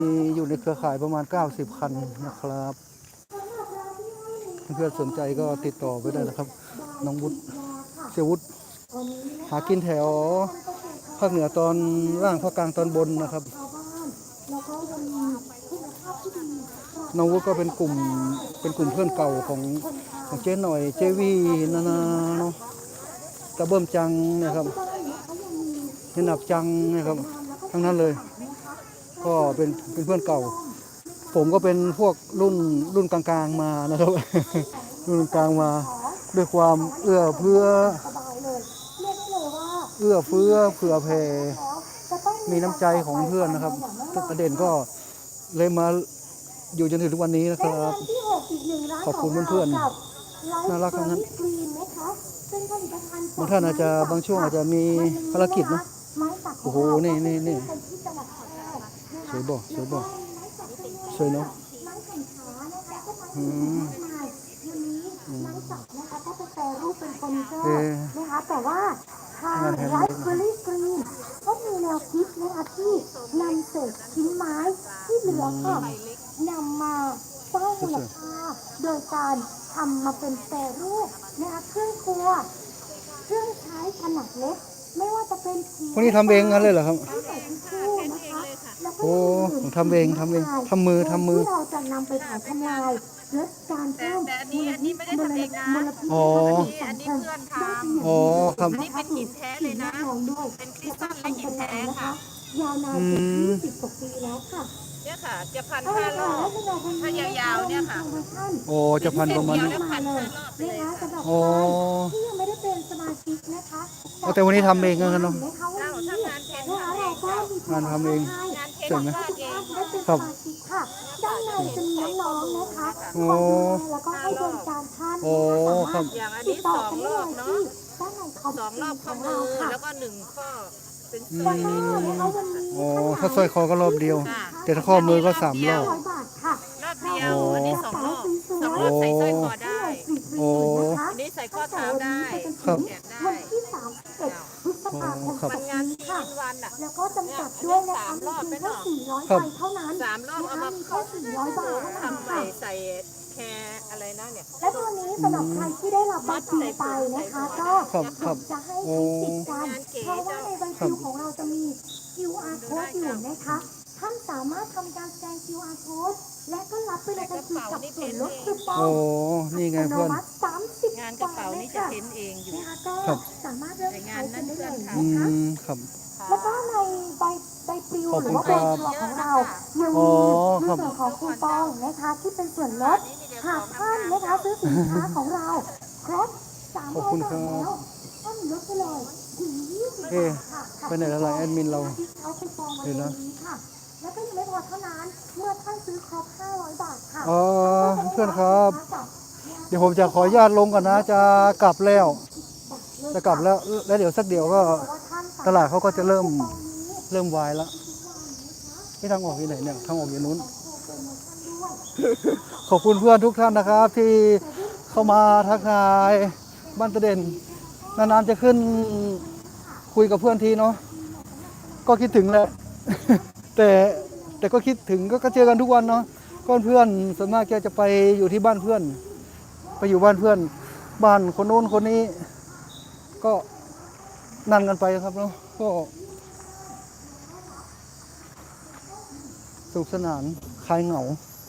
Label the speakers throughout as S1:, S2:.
S1: มีอยู่ในเครือข่ายประมาณ90คันนะครับเพื่อนสนใจก็ติดต่อไปได้นะครับน้องวุฒิเสียวุฒิหากินแถวภาคเหนือตอนล่างภาคกลางตอนบนนะครับน้องวุฒิก็เป็นกลุ่มเพื่อนเก่าของเจ๊หน่อยเจวีนานาเนาะตะเบิ่มจังนะครับเห็นหนับจังนะครับทั้งนั้นเลยก็เป็นเพื่อนเก่าผมก็เป็นพวกรุ่นกลางๆมานะครับ รุ่นกลางมาด้วยความเอื้อเฟื้อเผื่อแผ่มีน้ำใจของเพื่อนนะครับประเด็นก็เลยมาอยู่จนถึงทุกวันนี้นะครับขอบคุณเพื่อนๆน่ารักทั้งนั้นบางท่านอาจจะบางช่วงอาจจะมีภารกิจนะโอ้โหนี่สวยบ่สวยเนาะ
S2: นะคะแต่ว่าทางไรซ์เบอร์รี่กรีนก็มีแนวคิดนะคะที่นำเศษชิ้นไม้ที่เหลือค่ะนำมาสร้างมูลค่าโดยการทำมาเป็นแปรรูปนะคะเครื่องครัวเครื่องใช้ขนาดเล็กไม่ว่าจะเป็น
S1: พวกนี้ทำเองงั้นเลยเหรอครับโอ้ทำเองทำมือ
S2: ที่เราจะนำไปเผาทำลายลดการเพิ่ม
S3: อันนี้ไม่ได้ทำเองนะอันนี้เพื่อนทำ
S1: อ๋อครับ
S3: อันนี้เป็นหินแท้เลยนะเป็นคริสตัลและหินแท้ค่ะ
S2: ยาวนาน20 กว่าปีแล้วค่ะ
S3: เนี่ยค่ะจะพัน5 รอบถ้ายาวๆเนี่ยค่ะ
S1: โอ้จะพันประมาณนี้
S3: พัน5 รอบเลย
S1: โอ้
S2: ที่ยังไม่ได้เป็นสมาชิกนะคะ
S1: แต่วันนี้ทำเองกันเนาะ
S3: ทำงานเพ้น
S1: งานทำเอง
S3: เสร็จไหม
S1: ครับ
S2: ด้านในจะมีน้องๆนะคะ
S1: โอ้
S2: แล้วก็ให้บริการท่าน
S1: โอ้ครับ
S3: อย่างอันนี้2 รอบเนาะ2 รอบข้อมือแล้วก็1 ข้อเป็นสร้อย
S1: โอ้ถ้าสร้อยคอก็รอบเดียวแต่ถ้าข้อมือก็3 รอบ
S3: รอบเดียวอันนี้2 รอบใส่สร้อยคอได้
S1: โอ้
S3: อันนี้ใส่ข้อเท้าได้
S1: ครับ
S3: แขนได้
S1: ครับ
S3: มันงานชิ้นวันอ่ะ
S2: แล้วก็จำกัดด้วยนะคะมีเพียงแค่400 ใบเท่านั้น
S3: 3 รอบเอามา
S2: แค่400 บาท
S3: ทำใหม่ใส่แคร์อะไรนะเนี่ย
S2: และตัวนี้สำหรับใครที่ได้รับบัตรคิวไปนะคะก็จะให้ใช้สิทธิ์กันเพราะว่าในใบคิวของเราจะมี QR code อยู่นะคะท่านสามารถทำการสแกน QR code และก็รับไปเลยกับส่วนลดคูปอง
S1: โอ้นี่ไงเพื่อน
S3: งานกระเป๋านี่จะเพ้นเองอยู่
S2: นะคะก็สามารถเลือกใช้กันได้เลยนะคะ
S1: ครับ
S2: แล้วก็ในใบปลิวหรือว่าใบชัวร์ของเรายังมีในส่วนของคูปองนะคะที่เป็นส่วนลดหากท่านนะคะซื้อสินค้าของเราครบ300 บาทแล้วท่านลดไปเลยถึง20 บาทค่ะ
S1: ไปไหนแล้วล่ะแอดมินเรา
S2: เห็นนะแล้วก็ยังไม่พอเท่านั้นเมื่อท่านซื้อครบ500 บาทค่ะ
S1: อ๋อเพื่อนครับเดี๋ยวผมจะขออนุญาตลงก่อนนะจะกลับแล้วแล้วเดี๋ยวสักเดี๋ยวก็ตลาดเขาก็จะเริ่มวายแล้วที่ทางออกที่ไหนเนี่ยทางออกอยู่นู้นขอบคุณเพื่อนทุกท่านนะครับที่เข้ามาทักทายบ้านตะเด่นนานๆจะขึ้นคุยกับเพื่อนทีเนาะก็คิดถึงแหละแต่ก็คิดถึงก็เจอกันทุกวันเนาะก็เพื่อนส่วนมากแกจะไปอยู่ที่บ้านเพื่อนไปอยู่บ้านเพื่อนบ้านคนโน้นคนนี้ก็นั่นกันไปครับเนาะก็สนุกสนานคลายเหงา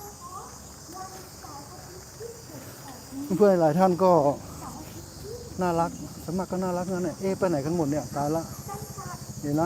S1: เพื่อนหลายท่านก็น่ารักสมัครก็น่ารักนั่นแหละไปไหนกันหมดเนี่ยตายละเห็นนะ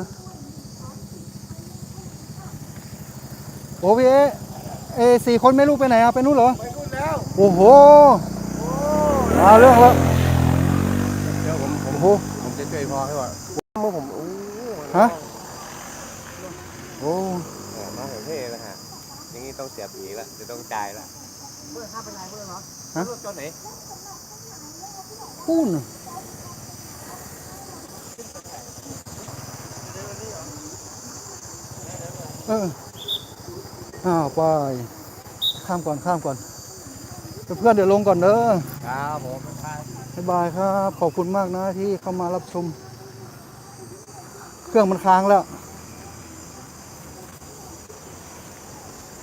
S1: โอ้พี่4 คนไม่รู้ไปไหนอะไปนู้นเหรอ
S4: ไปนู่นแล้ว
S1: โอ้โหมาเรื่องแล้ว
S4: เดี๋ยวผมจะช่วยพ่อให้ว่าเมื่อผม
S1: ฮะโอ้
S4: น้องผมเท่นะฮะอย่างนี้ต้องเสียผีละจะต้องจ่ายละเบอร์5เป็นไรเบอร์เหรอฮะเบอร์ตัวไหน
S1: ปูนไปข้ามก่อนเพื่อนเดี๋ยวลงก่อนเด้อ
S4: ครับผม
S1: บ๊ายบายครับขอบคุณมากนะที่เข้ามารับชมเครื่องมันค้างแล้ว